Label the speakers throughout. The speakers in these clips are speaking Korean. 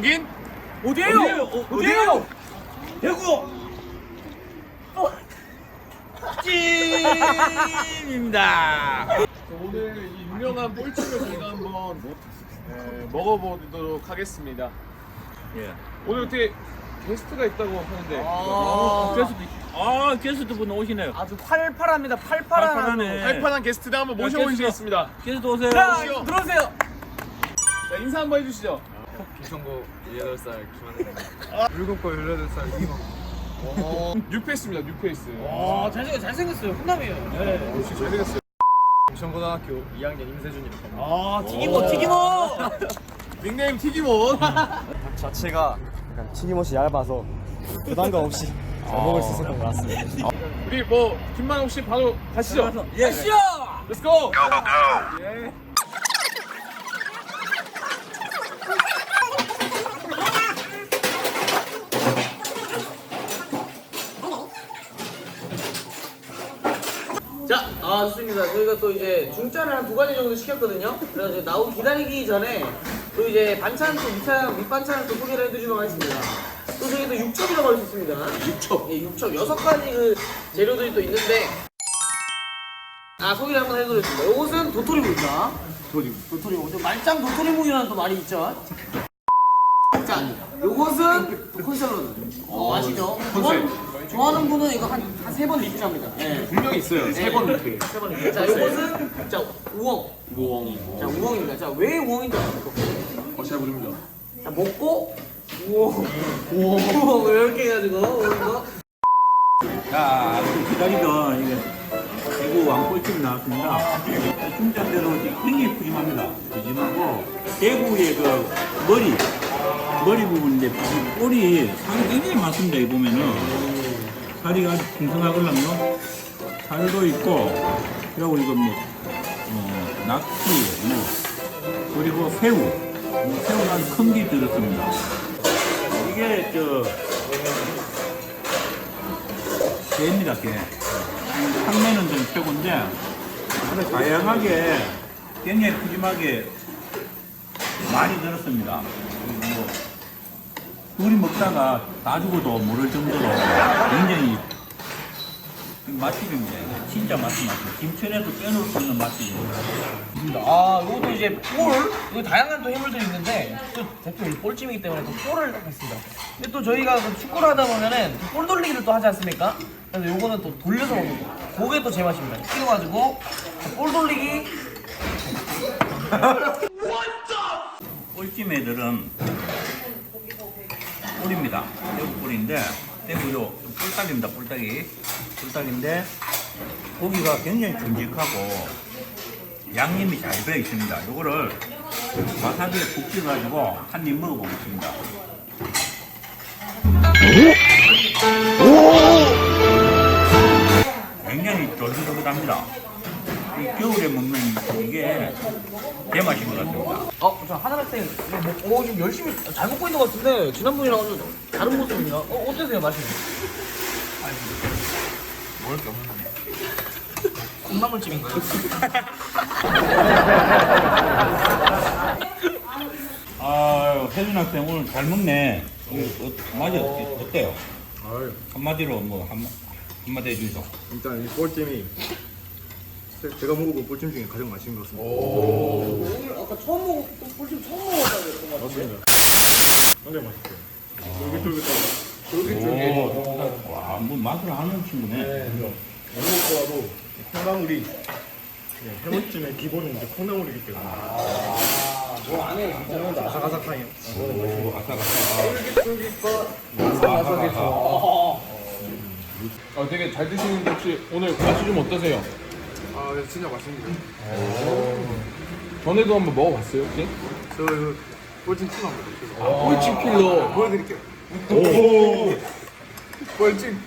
Speaker 1: 여긴
Speaker 2: 어디에요? 어디에요? 대구 찜입니다.
Speaker 1: 오늘 이 유명한 꼴찌를 저희가 한번 먹어보도록 하겠습니다.
Speaker 2: 예.
Speaker 1: 오늘 어떻게 게스트가 있다고 하는데
Speaker 2: 게스트분 오시네요.
Speaker 3: 아주 팔팔합니다. 팔팔한.
Speaker 2: 팔팔하네.
Speaker 1: 팔팔한 게스트를 한번 모셔보시겠습니다.
Speaker 2: 게스트 오세요.
Speaker 3: 자,
Speaker 1: 오시오.
Speaker 3: 들어오세요.
Speaker 1: 자, 인사 한번 해주시죠.
Speaker 4: 김성고 18살 김하늘입니다. 물건거 18살 이기만.
Speaker 1: 뉴페이스입니다. 뉴페이스.
Speaker 3: 잘생겼어요. 훈남이에요. 네.
Speaker 1: 역시 잘생겼어요.
Speaker 4: 부천고등학교 2학년 임세준이라고 합니다.
Speaker 3: 튀기모.
Speaker 1: 닉네임 튀김옷.
Speaker 4: 자체가 약간 튀김옷이 얇아서 부담감 없이 잘 먹을 수 있었던 것 같습니다.
Speaker 1: 우리 김만옥 씨 바로 가시죠.
Speaker 3: 예. 시오.
Speaker 1: Let's go.
Speaker 3: 자, 좋습니다. 저희가 또 이제 중짜를 한 2가지 정도 시켰거든요. 그래서 이제 나오기 기다리기 전에 또 이제 반찬 또 밑반찬을 또 소개를 해드리도록 하겠습니다. 또 저희도 육첩이라고 할 수 있습니다. 육첩? 예, 육첩. 6가지 그 재료들이 또 있는데 소개를 한번 해드리겠습니다. 요것은 도토리묵입니다. 도토리묵. 저 말짱 도토리묵이라는 또 말이 있죠. 자, 요것은 콘샐러드. 아시죠? 좋아하는 분은 이거 한 3번 리필합니다. 네.
Speaker 1: 분명히 있어요.
Speaker 3: 세 번 리필. 자, 요것은 우엉. 자, 우엉입니다. 자, 왜 우엉인지 아십니까?
Speaker 1: 잘 모릅니다.
Speaker 3: 자, 먹고 우엉 이렇게 해가지고 우엉.
Speaker 2: 자, 기다리던 이게 대구 왕골집 나왔습니다. 중짜대로 굉장히 푸짐합니다. 푸짐하고 대구의 그 머리 부분인데 꼴이 살이 굉장히 많습니다. 이 보면은 살이 아주 풍성하걸랑요. 살도 있고 그리고 이거 낙지 그리고 새우는 아주 큰 게 들었습니다. 이게 게입니다. 게. 판매는 좀 최고인데 아주 다양하게 굉장히 푸짐하게 많이 들었습니다. 그리고 둘이 먹다가 다 죽어도 모를 정도로 굉장히 맛집입니다. 진짜 맛집입니다. 김천에도 빼놓을 수 없는 맛집입니다.
Speaker 3: 요것도 이제 이거 다양한 또 해물들이 있는데 또 대표 볼찜이기 때문에 또 볼을 딱 했습니다. 근데 또 저희가 그 축구를 하다 보면은 볼 돌리기를 또 하지 않습니까? 그래서 요거는 또 돌려서 먹는 거. 그게 또 제맛입니다. 튀겨가지고 볼 돌리기.
Speaker 2: 꿀찜 애들은 꿀입니다. 대구 꿀인데 대구요 꿀딱입니다. 꿀딱인데 고기가 굉장히 듬직하고 양념이 잘 배어 있습니다. 요거를 와사비에 푹 찍어가지고 한 입 먹어보겠습니다. 굉장히 쫄깃쫄깃합니다. 이 겨울에 먹는 이게 제맛인 것 같습니다.
Speaker 3: 저 하나학생 지금 열심히 잘 먹고 있는 것 같은데 지난번이랑 좀 다른 모습입니다. 어떠세요 맛이?
Speaker 4: 먹을 게 없는데.
Speaker 3: 콩나물찜인가요?
Speaker 2: 혜준 학생 오늘 잘 먹네. 맛이 어때요? 한마디로 한마디 해주소.
Speaker 4: 일단 이 꼴찜이 제가 먹어본 꼴찜 중에 가장 맛있는 것 같습니다.
Speaker 3: 오늘 아까 볼찜 처음 먹었다고 그랬던 것 같은데.
Speaker 4: 굉장히 맛있어요. 쫄깃쫄깃.
Speaker 2: 와, 뭐 맛을 아는 친구네.
Speaker 4: 먹고와도 콩나물이 해물찜의 기본은 이제 콩나물이기 때문에.
Speaker 3: 안에 진짜
Speaker 4: 아삭아삭하요.
Speaker 1: 되게 잘 드시는데 혹시 오늘 맛이 좀 어떠세요?
Speaker 4: 네, 진짜 맛있습니다.
Speaker 1: 전에도 한번 먹어봤어요 혹시?
Speaker 4: 저 꼴찜 팀 한번 드릴게요.
Speaker 1: 꼴찌 필러.
Speaker 4: 보여드릴게요.
Speaker 1: 오.
Speaker 4: 꼴찜.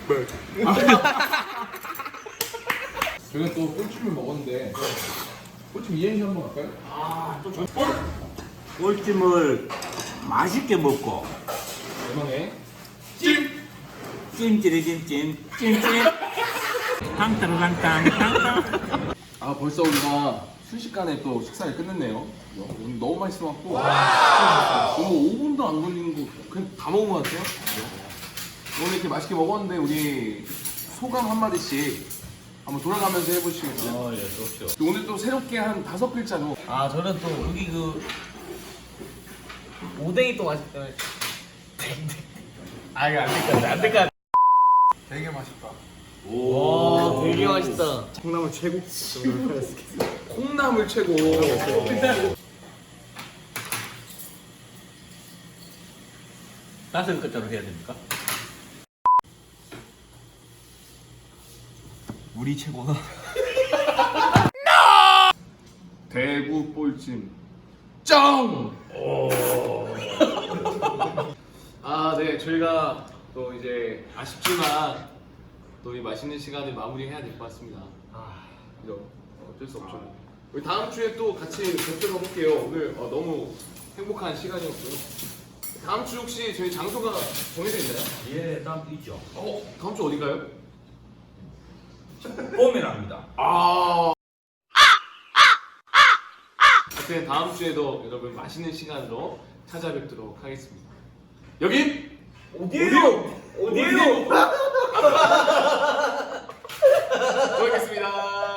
Speaker 1: 저희가 또 꼴찜을 먹었는데 꼴찜 이행시 한번 할까요?
Speaker 2: 꿀찜을 맛있게 먹고
Speaker 1: 대망의
Speaker 2: 찜찜 탕따라랑땅 탕땅.
Speaker 1: 벌써 우리가 순식간에 또 식사를 끝냈네요. 오늘 너무 맛있어갖고 오늘 5분도 안 걸리는 거 그냥 다 먹은 것 같아요. 오늘 이렇게 맛있게 먹었는데 우리 소감 한마디씩 한번 돌아가면서 해보시겠어요?
Speaker 2: 예, 좋죠.
Speaker 1: 오늘 또 새롭게 한 5글자로
Speaker 3: 아 저는 또 여기 그 오뎅이 또 맛있다. 아 이거 안 될 것 같아.
Speaker 1: 되게 맛있다.
Speaker 3: 와 되게 맛있다.
Speaker 4: 콩나물 최고.
Speaker 1: 콩나물 최고.
Speaker 2: 다섯 글자로 해야 됩니까?
Speaker 4: 우리 최고다.
Speaker 1: 대구 볼찜 짱! 아, 네, 저희가 또 이제 아쉽지만 또 이 맛있는 시간을 마무리해야 될 것 같습니다. 그죠? 어쩔 수 없죠. 우리 다음 주에 또 같이 뵙도록 할게요. 오늘 너무 행복한 시간이었고요. 다음 주 혹시 저희 장소가 정해져 있나요?
Speaker 2: 예, 다음 주 있죠.
Speaker 1: 다음 주 어디가요?
Speaker 2: 봄이랍니다.
Speaker 1: 하여튼 다음 주에도 여러분 맛있는 시간으로 찾아뵙도록 하겠습니다. 여긴
Speaker 3: 어디에요?
Speaker 1: 고맙겠습니다.